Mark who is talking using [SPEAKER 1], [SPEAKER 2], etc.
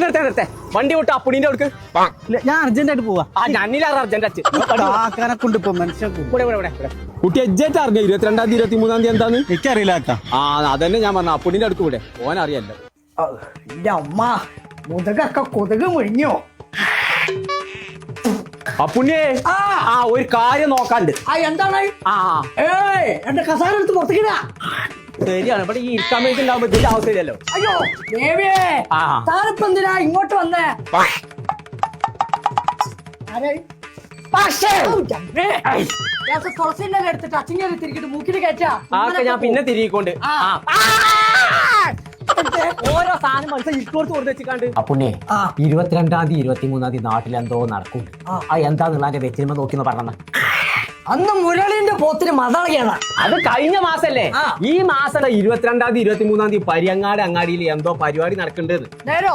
[SPEAKER 1] നിർത്തേ വണ്ടി വിട്ട് അപ്പുണിന്റെ അടുക്ക്
[SPEAKER 2] ഞാൻ അർജന്റ് ആയിട്ട് പോവാ.
[SPEAKER 1] ഞാനില്ലാറ് അർജന്റ്
[SPEAKER 2] കൊണ്ട് ഇപ്പൊ മനുഷ്യൻ
[SPEAKER 1] കുട്ടി എജ്ജായിട്ട് അറിഞ്ഞ 22-ാം തീയതി 23-ാം തീയതി എന്താന്ന്
[SPEAKER 2] എനിക്കറിയില്ല കേട്ടാ.
[SPEAKER 1] അതന്നെ ഞാൻ പറഞ്ഞു അപ്പുണിന്റെ അടുക്ക് കൂടെ ഓൻ അറിയല്ലോ.
[SPEAKER 3] എന്റെ അമ്മ മുതകൊക്കെ കൊതുക് മുഴിഞ്ഞോ.
[SPEAKER 1] അപ്പുണ്ണിയെ ഒരു കാര്യം നോക്കാണ്ട്.
[SPEAKER 3] എന്താണ്? എന്റെ കസാര എടുത്ത് പുറത്തേക്കിടാ.
[SPEAKER 1] ശരിയാണ്, ഇവിടെ ഈ ഇരിക്കാൻ വേണ്ടി ഉണ്ടാവുമ്പോ ഇതിന്റെ ആവശ്യമില്ലല്ലോ.
[SPEAKER 3] അയ്യോ ദേവിയേ, താനിപ്പോ എന്തിനാ ഇങ്ങോട്ട് വന്നേ? തുളസിന്റെ എടുത്തിട്ട് അച്ചിങ്ങനെ തിരിക്കിട്ട് മൂക്കിട്ട് കയറ്റാ.
[SPEAKER 1] ഞാൻ പിന്നെ തിരികൊണ്ട് ഓരോ സാധനം മനസ്സിൽ ഇട്ടോടുത്ത് കൊടുത്ത് വെച്ചിക്കാണ്ട്. അപ്പുണ്ണേ 22-ാം തീയതി 23-ാം തീയതി നാട്ടിലെന്തോ നടക്കും. എന്താന്നുള്ള വെച്ചിരുമ്പോ നോക്കിന്ന് പറഞ്ഞ
[SPEAKER 3] അന്ന് മുരളിന്റെ പോത്തിന് മതളയാണ്.
[SPEAKER 1] അത് കഴിഞ്ഞ മാസല്ലേ. ഈ മാസം 22-ാം തീയതി 23-ാം തീയതി പരിയങ്ങാട് അങ്ങാടിയിൽ എന്തോ പരിപാടി നടക്കേണ്ടത്.